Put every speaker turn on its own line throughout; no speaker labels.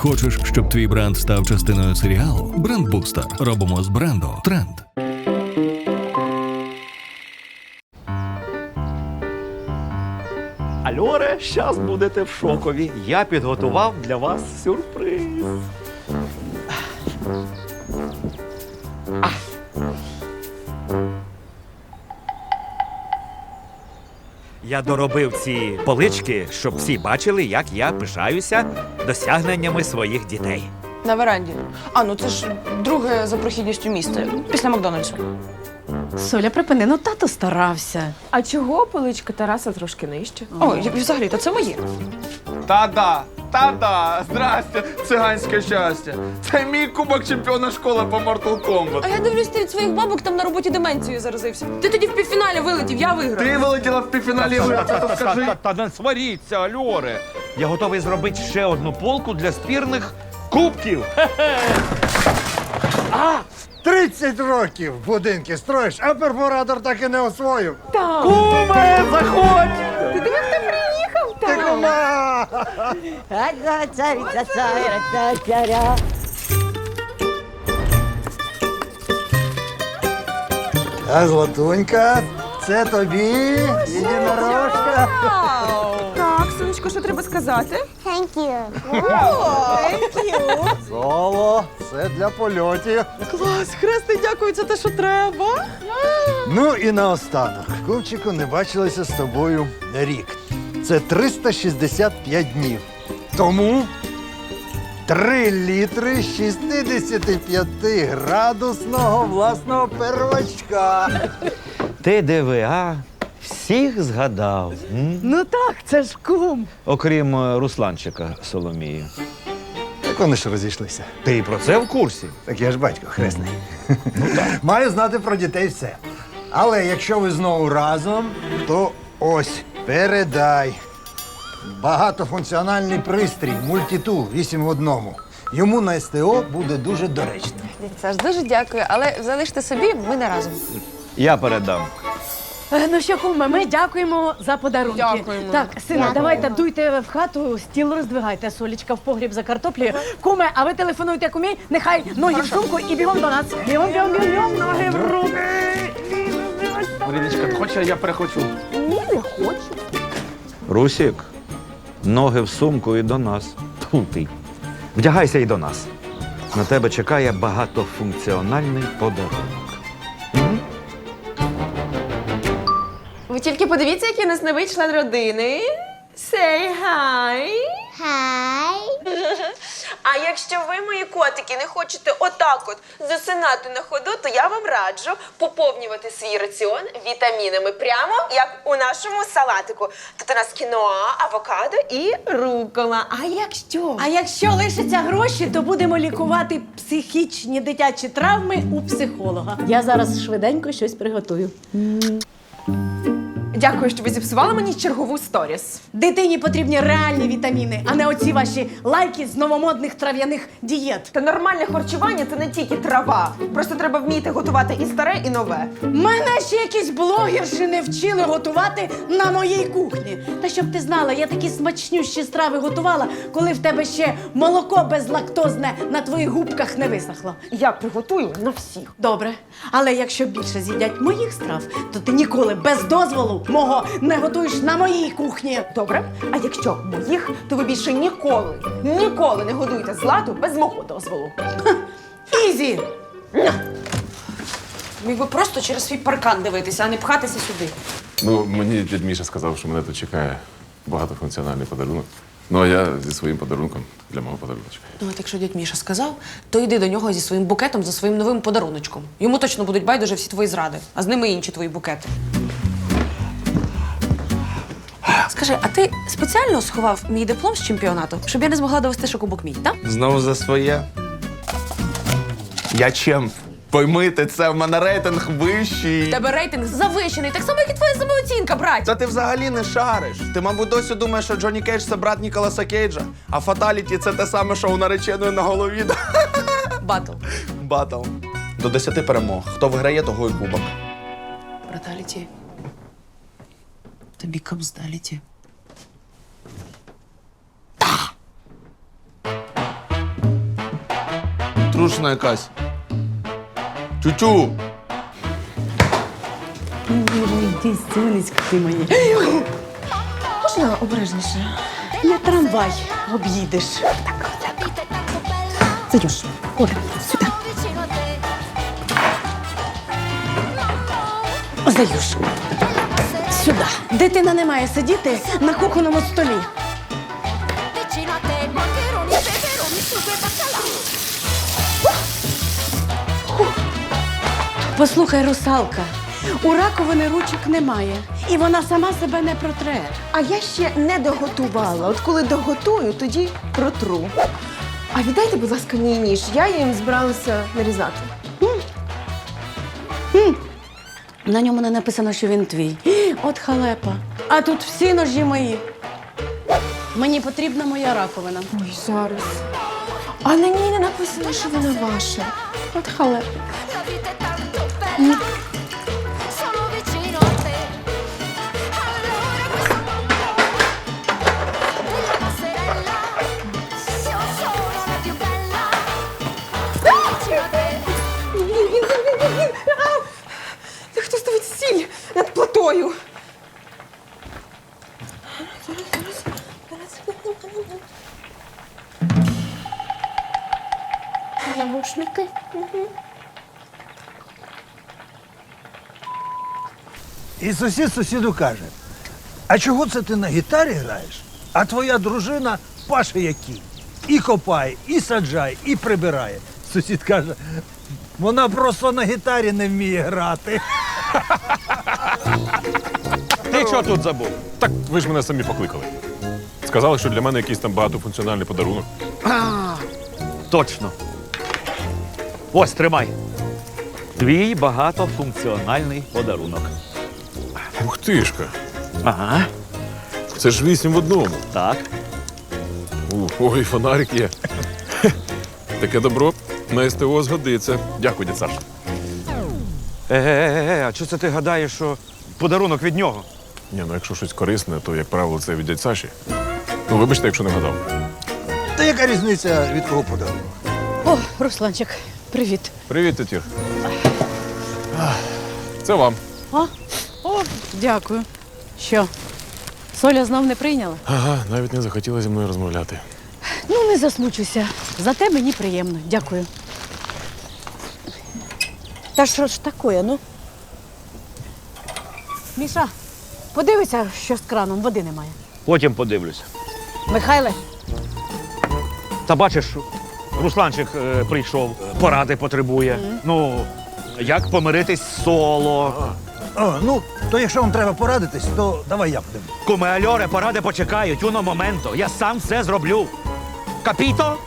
Хочеш, щоб твій бренд став частиною серіалу? Брендбустер. Робимо з бренду тренд.
Альоре, щас будете в шокові. Я підготував для вас сюрприз. Я доробив ці полички, щоб всі бачили, як я пишаюся досягненнями своїх дітей.
На веранді. А, ну це ж друге за прохідністю міста, після Макдональдсу.
Соля, припини, ну тато старався.
А чого поличка Тараса трошки нижче?
О, і взагалі-то це моє.
Та-да, здрасте, циганське щастя. Це мій кубок чемпіона школи по Mortal Kombat.
А я дивлюсь, ти від своїх бабок там на роботі деменцією заразився. Ти тоді в півфіналі вилетів, я виграв.
Ти вилетіла в півфіналі, то скажи.
Та не сваріться, Альоре. Я готовий зробити ще одну полку для спірних кубків.
30 років будинки строїш, а перфоратор так і не освоїв.
Куме, заходь!
Ти кума! А Златунька, це тобі, єдинорожка.
Так, сонечко, що треба сказати?
Соло, це для польотів.
Клас, хресний, дякую, це те, що треба.
Ну і наостанок. Кумчику, не бачилися з тобою рік. Це 365 днів. Тому 3 літри 65-градусного власного первачка.
Ти диви, а? Всіх згадав.
Ну так, це ж кум.
Окрім Русланчика Соломії.
Так вони ж розійшлися.
Ти і про це в курсі?
Так я ж батько хресний. Маю знати про дітей все. Але якщо ви знову разом, то ось, передай. Багатофункціональний пристрій, мультитул 8 в 1. Йому на СТО буде дуже доречно.
Дядь Саш, дуже дякую, але залиште собі, ми не разом.
Я передам.
Ну що, куме, ми дякуємо за подарунки.
Дякуємо.
Так, сина, давайте дуйте в хату, стіл роздвигайте, Солічка в погріб за картоплею. Куме, а ви телефонуйте кумі, нехай ноги в сумку і бігом до нас. Бігом, ноги в руки.
Маріночка, хочеш, я перехочу?
Русік, ноги в сумку і до нас. Тьфу ти. Вдягайся і до нас. На тебе чекає багатофункціональний подарунок.
Ви тільки подивіться, який у нас новий член родини. Say hi.
Хай.
А якщо ви, мої котики, не хочете отак от засинати на ходу, то я вам раджу поповнювати свій раціон вітамінами, прямо як у нашому салатику. Тут у нас кіноа, авокадо і рукола.
А якщо лишаться гроші, то будемо лікувати психічні дитячі травми у психолога. Я зараз швиденько щось приготую.
Дякую, що ви зіпсували мені чергову сторіс.
Дитині потрібні реальні вітаміни, а не оці ваші лайки з новомодних трав'яних дієт.
Та нормальне харчування – це не тільки трава. Просто треба вміти готувати і старе, і нове.
Мене ще якісь блогерші не вчили готувати на моїй кухні. Та щоб ти знала, я такі смачнющі страви готувала, коли в тебе ще молоко безлактозне на твоїх губках не висохло.
Я приготую на всіх.
Добре, але якщо більше з'їдять моїх страв, то ти ніколи без дозволу мого не готуєш на моїй кухні.
Добре? А якщо моїх, то ви більше ніколи не годуєте Злату без мого дозволу.
Ізі!
Міг би просто через свій паркан дивитися, а не пхатися сюди.
Ну, мені дядь Міша сказав, що мене тут чекає багатофункціональний подарунок. Ну, а я зі своїм подарунком для мого подаруночка.
Ну, от якщо дядь Міша сказав, то йди до нього зі своїм букетом за своїм новим подаруночком. Йому точно будуть байдуже всі твої зради, а з ними інші твої букети. Скажи, а ти спеціально сховав мій диплом з чемпіонату, щоб я не змогла довести, що кубок мій, так?
Знову за своє. Я чемп. Поймите, це в мене рейтинг вищий.
Тебе рейтинг завищений, так само, як і твоя самооцінка, брать.
Та ти взагалі не шариш. Ти, мабуть, досі думаєш, що Джонні Кейдж – це брат Ніколаса Кейджа, а фаталіті – це те саме, що у нареченої на голові.
Батл.
Батл. До 10 перемог. Хто виграє, того і кубок.
Браталіті. Тобі кобздаліті.
трушна якась. Тютю!
Йди, сонечко ти моє.
Можна обережніше?
Не трамвай об'їдеш. Зайдеш. Оля, сюди. Заюш. Сюди. Дитина не має сидіти на кухонному столі.
Vicino a te, maccheroni, peperoni, sugo e baccalà.
Послухай, русалка, у раковини ручок немає. І вона сама себе не протре.
А я ще не доготувала. От коли доготую, тоді протру. А віддайте, будь ласка, мій ніж. Я їм збиралася нарізати.
На ньому не написано, що він твій. От халепа. А тут всі ножі мої. Мені потрібна моя раковина.
Ой, зараз. А на ній не написано, що вона ваша.
От халепа.
La vita è tanto bella. Sono vicino a te. Allora questo della passerella. Io sono la più bella. Vicino a te.
Хто ставить сіль над плитою?
Навушники.
І сусід сусіду каже: а чого це ти на гітарі граєш? А твоя дружина паше як кінь. І копає, і саджає, і прибирає. Сусід каже: вона просто на гітарі не вміє грати.
Ти що тут забув?
Так ви ж мене самі покликали. Сказали, що для мене якийсь там багатофункціональний подарунок.
Точно. Ось, тримай. Твій багатофункціональний подарунок.
Ух тишка,
Ага,
це ж 8 в одному.
так.
Ой, фонарик є. Хе, таке добро на СТО згодиться. Дякую, дід Саш.
А чого це ти гадаєш, що подарунок від нього?
Ні, ну якщо щось корисне, то, як правило, це від дядь Саші. Ну, вибачте, якщо не вгадав.
Та яка різниця від кого подарунок?
О, Русланчик, привіт.
Привіт, тетір. Це вам.
О, дякую. Що, Соля знов не прийняла?
Ага, навіть не захотіла зі мною розмовляти.
Ну, не засмучуйся. Зате мені приємно. Дякую. Та що ж таке, ну? Міша, подивися, що з краном, води немає.
Потім подивлюся.
Михайле,
Та бачиш, Русланчик прийшов, поради потребує. Ну, як помиритись з соло.
О, ну, то якщо вам треба порадитись, то давай я подивлюсь.
Куме альоре, поради почекають, уно моменто. Я сам все зроблю. Капіто?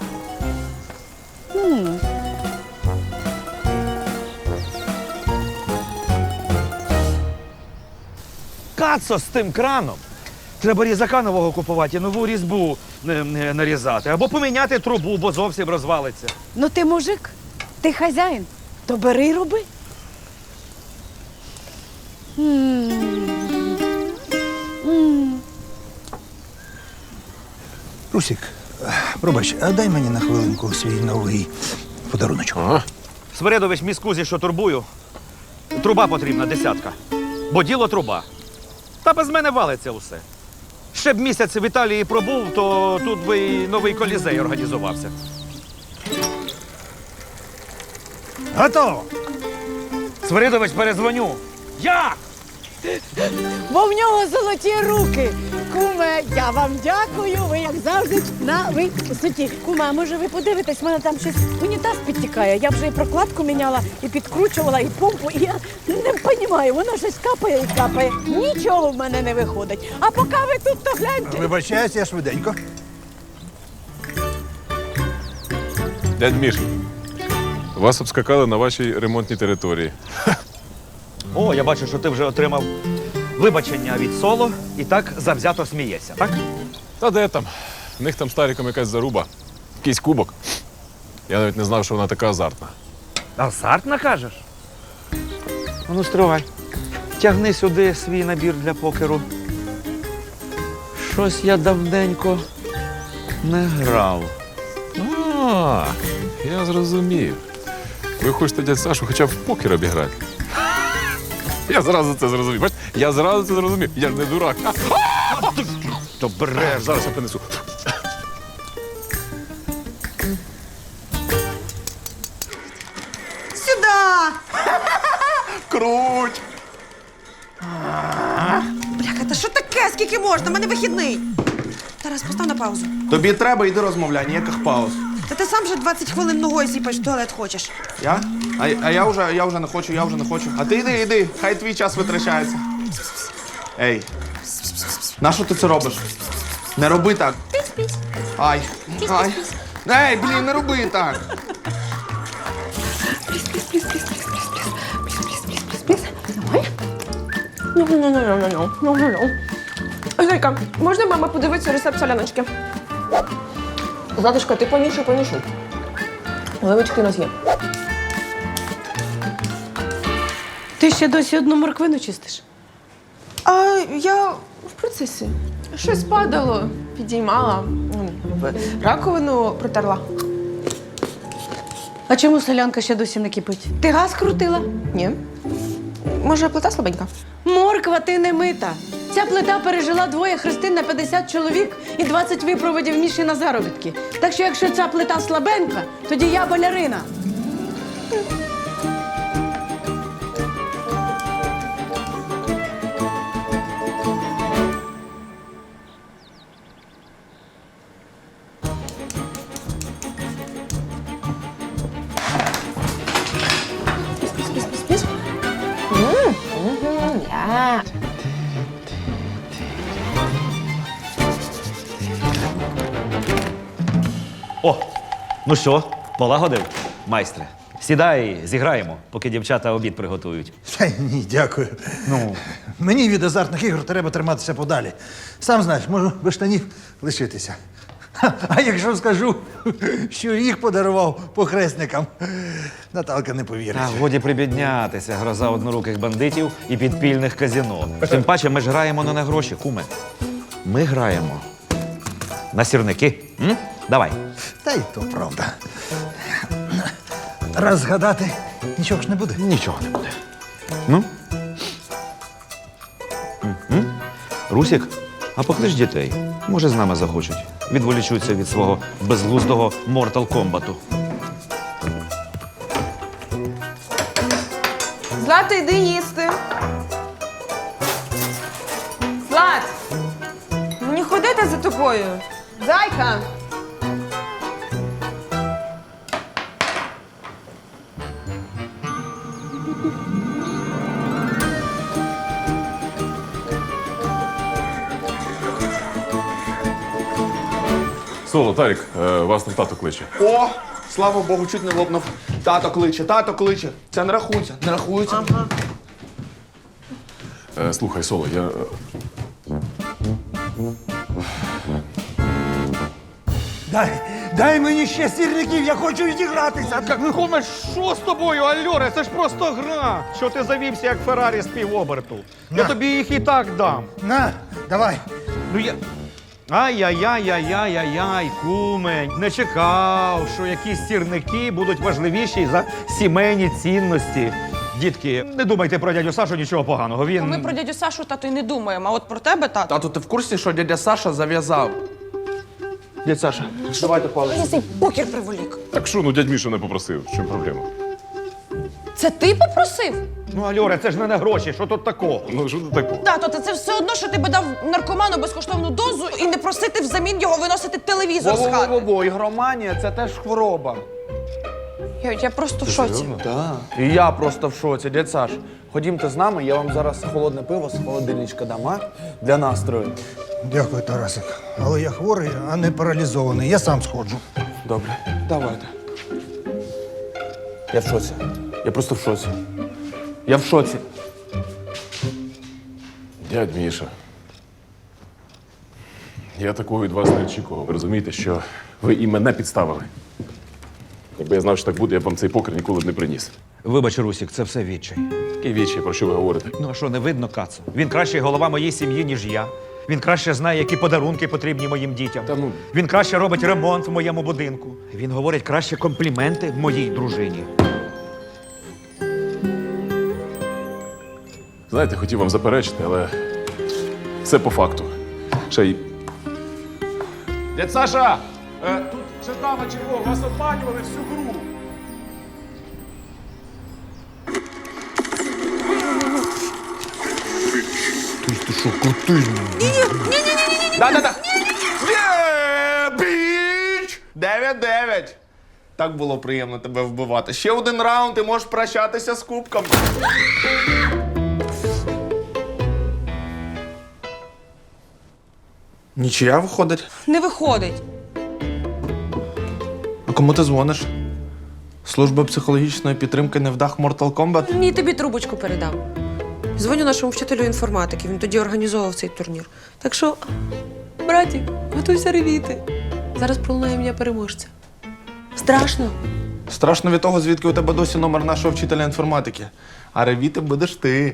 Кацо з тим краном. Треба різака нового купувати і нову різьбу нарізати. Або поміняти трубу, бо зовсім розвалиться.
ну ти мужик, ти хазяїн, то бери й роби.
Русік, пробач, а дай мені на хвилинку свій новий подаруночок.
Ага.
Свиридович міскузі, що турбую. Труба потрібна, 10. Бо діло труба. Та без мене валиться усе. Ще б місяць в Італії пробув, то тут би і новий колізей організувався.
Готово!
Свиридович, перезвоню. Як?
Бо в нього золоті руки. Куме, я вам дякую, ви як завжди на висоті. Куме, а може ви подивитесь, в мене там щось унітаз підтікає. Я вже і прокладку міняла, і підкручувала, і помпу, і я не розумію, воно щось капає і капає. Нічого в мене не виходить. А поки ви тут, то гляньте.
Вибачаюсь, я швиденько.
Дядь Міш, вас обскакали на вашій ремонтній території.
О, я бачу, що ти вже отримав вибачення від соло і так завзято смієшся, так?
Та де там? В них там старіком якась заруба. Якийсь кубок. Я навіть не знав, що вона така азартна.
Азартна, кажеш? Ну, стривай. Тягни сюди свій набір для покеру. Щось я давненько не грав.
А, Я зрозумів. Ви хочете дядь Сашу хоча б в покер обіграти. Я зразу це зрозумів. Бачите? Я зразу це зрозумів. Я ж не дурак. То береш, зараз я принесу.
Сюда!
Круть!
Бляха, та що таке? Скільки можна? У мене вихідний. Тарас, постав на паузу.
Тобі треба, йди розмовляй, ніяких пауз.
Та ти сам вже 20 хвилин ногою сіпаєш, в туалет хочеш.
Я? А я вже не хочу. А ти йди, хай твій час витрачається. Ей, нащо ти це робиш? Не роби так. Ай. Ей, блін, не роби так.
Зайка, можна мама подивитися рецепт соляночки? Златушка, ти помішуй. Оливочки у нас є.
Ти ще досі одну морквину чистиш?
А я в процесі. Щось падало, підіймала, раковину протерла.
А чому солянка ще досі не кипить? Ти газ крутила?
Ні. Може, плита слабенька?
Морква, ти не мита. Ця плита пережила 2 хрестин на 50 чоловік і 20 випроводів Міші на заробітки. Так що якщо ця плита слабенька, тоді я балерина.
О, ну що, полагодив, майстре? Сідай, зіграємо, поки дівчата обід приготують.
Та ні, дякую. Ну, мені від азартних ігор треба триматися подалі. Сам знаєш, можу без штанів лишитися. А якщо скажу, що їх подарував похресникам, Наталка не повірить.
Та годі прибіднятися, гроза одноруких бандитів і підпільних казино. Тим паче, ми ж граємо не на гроші, куме. Ми граємо на сірники. М? Давай.
Та й то правда. Раз згадати, нічого ж не буде.
Нічого не буде. Ну? Русік, а поклич дітей. Може, з нами захочуть. Відволічуться від свого безглуздого Mortal Kombat'у.
Злата, йди їсти. Злат! Мені ходити за тобою. Зайка!
Соло, Тарік, вас там тато кличе.
О, слава Богу, чуть не лопнув. Тато кличе. Це не рахується.
Слухай, Соло, я.
Дай мені ще сірників, я хочу відігратися.
Ну, куме, що з тобою, Альоре? Це ж просто гра. Що ти завівся, як Феррарі з півоберту? Я тобі їх і так дам.
На, давай.
Ну я. Ай-яй-яй-яй-яй-яй, куме, не чекав, що якісь сірники будуть важливіші за сімейні цінності. Дітки, не думайте про дядю Сашу нічого поганого. Він.
Ми про дядю Сашу, тато, й не думаємо, а от про тебе, тато.
Тату, ти в курсі, що дядя Саша зав'язав? Дядь Саша, давайте палець.
Я цей покер приволік.
Так що, ну дядь Міша не попросив. В чому проблема?
Це ти попросив?
Ну, Альоре, це ж не на гроші, що тут такого?
Ну, що ти такого?
Тато, це все одно, що ти би дав наркоману безкоштовну дозу і не просити взамін його виносити телевізор з хати.
Во-во-во, ігроманія – це теж хвороба.
Я просто в шоці.
І я просто в шоці. Дядь Саш, ходімте з нами, я вам зараз холодне пиво з холодильничка дам, а? Для настрою.
Дякую, Тарасик. Але я хворий, а не паралізований. Я сам сходжу.
Добре, давайте. Я в шоці. Я просто в шоці. Я в шоці.
Дядь Міша. Я такого від вас не очікував. Ви розумієте, що ви і мене підставили. Якби я знав, що так буде, я б вам цей покер ніколи б не приніс.
Вибач, Русік, це все відчай.
Який вічі, про що ви говорите?
Ну, а що, не видно, Кацу? Він кращий голова моєї сім'ї, ніж я. Він краще знає, які подарунки потрібні моїм дітям.
Та ну.
Він краще робить ремонт в моєму будинку. Він говорить краще компліменти моїй дружині.
Знаєте, хотів вам заперечити, але все по факту. Ще й. Дядь Саша! Тут ще дама червона, вас обманювали всю гру.
Ти що, крутий?
Да-да-да. Біч! 9-9. Так було приємно тебе вбивати. Ще один раунд і можеш прощатися з кубком. Нічия виходить.
Не виходить.
А кому ти дзвониш? Служба психологічної підтримки невдах Mortal Kombat?
Ні, тобі трубочку передам. Дзвоню нашому вчителю інформатики, він тоді організовував цей турнір. Так що, братік, готуйся ревіти. Зараз пролунає ім'я переможця. Страшно.
Страшно від того, звідки у тебе досі номер нашого вчителя інформатики. А ревіти будеш ти.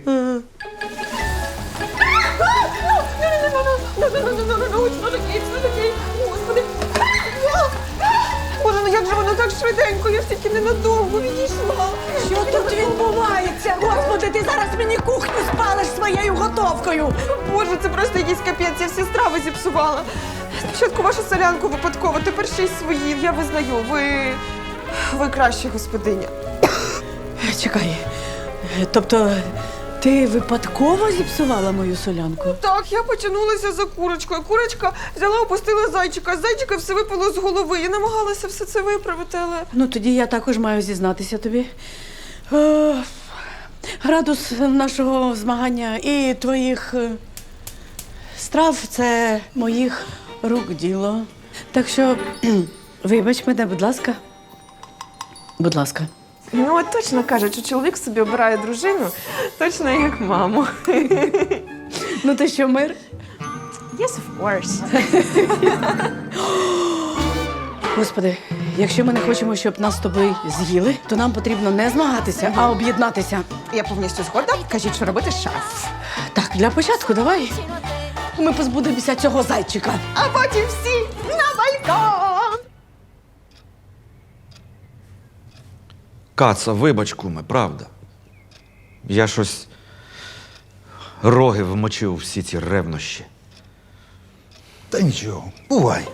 Боже, ну як же воно так швиденько? Я ж тільки ненадовго відійшла.
Що тут відбувається? Господи, ти зараз мені кухню спалиш своєю готовкою.
Боже, це просто якийсь капець, я всі страви зіпсувала. Спочатку вашу солянку випадково, тепер ще й свої. Я визнаю, ви краща господиня.
Чекай. Тобто, ти випадково зіпсувала мою солянку?
Так, я потягнулася за курочкою. Курочка взяла, опустила зайчика, а зайчика все випало з голови. Я намагалася все це виправити, але...
Ну, тоді я також маю зізнатися тобі. Градус нашого змагання і твоїх страв – це моїх рук діло. Так що, вибач мене, будь ласка. Будь ласка.
Ну, от точно кажуть, що чоловік собі обирає дружину, точно як маму.
Ну, ти що, мир?
Yes, of course.
Господи, якщо ми не хочемо, щоб нас з тобою з'їли, то нам потрібно не змагатися, а об'єднатися.
Я повністю згодна. Кажіть, що робити шеф.
Так, для початку давай ми позбудемося цього зайчика.
А потім всі на балкон!
Каца, вибач, куме, правда. Я щось роги вмочив у всі ці ревнощі.
Та нічого, бувай.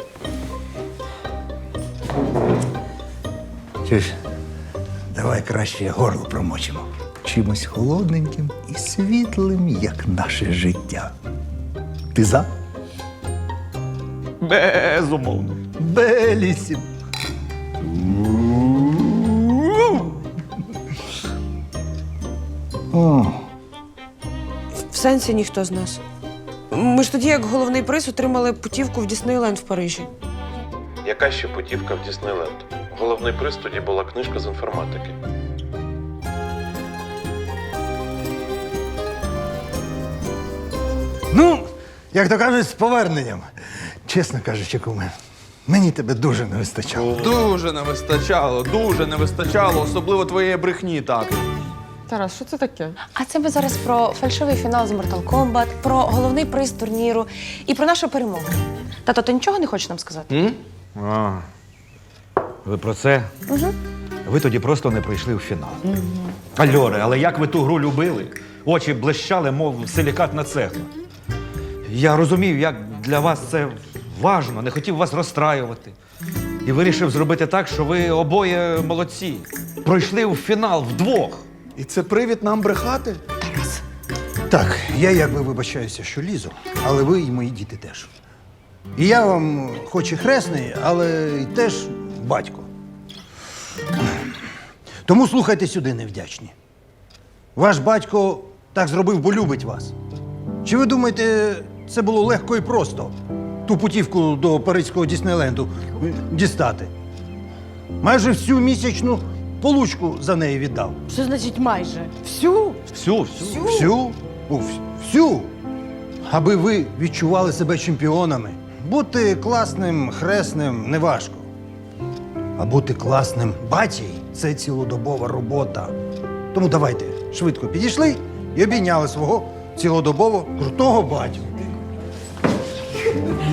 Чуєш, давай краще горло промочимо. Чимось холодненьким і світлим, як наше життя. Ти за?
Безумовно.
Белісім. О,
В сенсі ніхто з нас. Ми ж тоді, як головний приз, отримали путівку в Діснейленд в Парижі.
Яка ще путівка в Діснейленд? Головний приз тоді була книжка з інформатики.
ну, як то кажуть, з поверненням. Чесно кажучи, куме, мені тебе дуже не вистачало.
Дуже не вистачало, особливо твоєї брехні, так.
Тарас, що це таке?
А це ми зараз про фальшивий фінал з Mortal Kombat, про головний приз турніру і про нашу перемогу. Тато, ти нічого не хочеш нам сказати?
А, ви про це?
Угу.
Ви тоді просто не прийшли в фінал. Альоре, але як ви ту гру любили? Очі блищали, мов силікатна цегла. Я розумів, як для вас це важно, не хотів вас розстраювати. І вирішив зробити так, що ви обоє молодці. Пройшли в фінал вдвох.
І це привід нам брехати?
Так, я якби вибачаюся, що лізу, але ви і мої діти теж. І я вам хоч і хресний, але й теж батько. Тому слухайте сюди, невдячні. Ваш батько так зробив, бо любить вас. Чи ви думаєте, це було легко і просто ту путівку до Паризького Діснейленду дістати? Майже всю місячну получку за неї віддав.
Що значить майже? Всю?
Всю.
Всю? Всю. Аби ви відчували себе чемпіонами. Бути класним хресним неважко. А бути класним батією – це цілодобова робота. Тому давайте швидко підійшли і обійняли свого цілодобово крутого батю.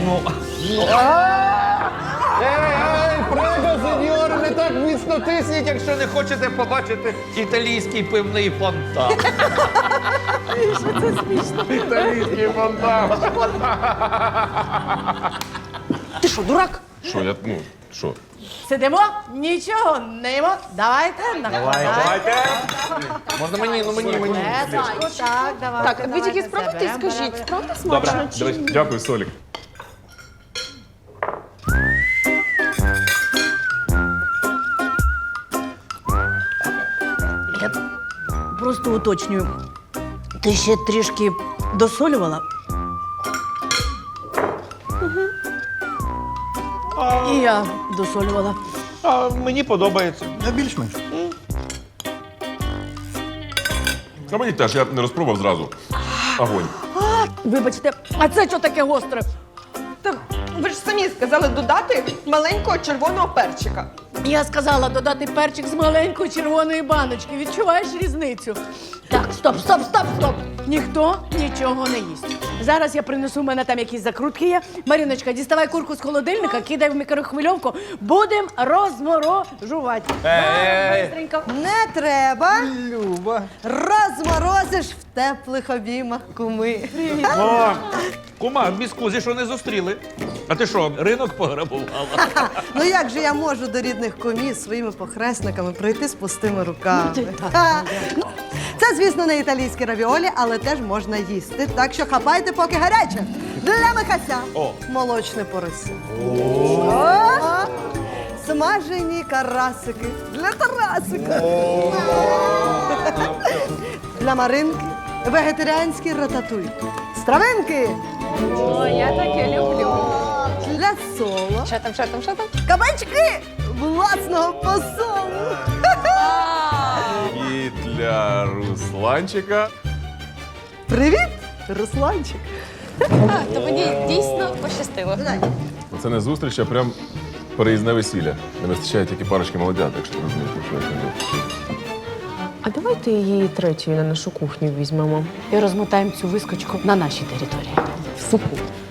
Прего, сеньор, не так міцно тисніть, якщо не хочете побачити італійський пивний фонтан.
Італійський фонтан.
Ти що, дурак?
Що, я, ну, що?
Сидимо, нічого не їмо. Давайте, давайте.
Можна мені, ну мені.
Так, давайте.
Так, ви тільки спробуйте і скажіть, правда смачно? чи ні?
Дякую, Солік.
Просто уточнюю. Ти ще трішки досолювала? І я досолювала.
А мені подобається.
Більш-менш.
А мені теж, я не розпробував зразу. Огонь.
Вибачте, а це що таке гостре?
Та ви ж самі сказали додати маленького червоного перчика.
Я сказала додати перчик з маленької червоної баночки. Відчуваєш різницю? Так, стоп. Ніхто нічого не їсть. Зараз я принесу, в мене там якісь закрутки є. Маріночка, діставай курку з холодильника, кидай в мікрохвильовку. Будемо розморожувати. Бистренько.
Не треба.
Люба.
Розморозиш в теплих обіймах куми.
О, кума, в міскузі що не зустріли. А ти що, ринок пограбувала?
Ну як же я можу до рідних кумів своїми похресниками прийти з пустими руками? Ну, це, звісно, не італійські равіолі, але теж можна їсти. Так що хапайте, поки гаряче. Для Михася молочне порося. Смажені карасики для Тарасика. Для Маринки вегетаріанський рататуй. Стравинки
О, я таке люблю.
для Соло.
Що там?
Кабачки власного посолу.
І для Русланчика.
Привіт, Русланчик.
То мені дійсно пощастило.
Це не зустріч, а прям переїзне весілля. Не вистачає тільки парочки молодят, якщо ти розумієш, про що я кажу.
А давайте її третьою на нашу кухню візьмемо і розмотаємо цю вискочку на нашій території. В супу.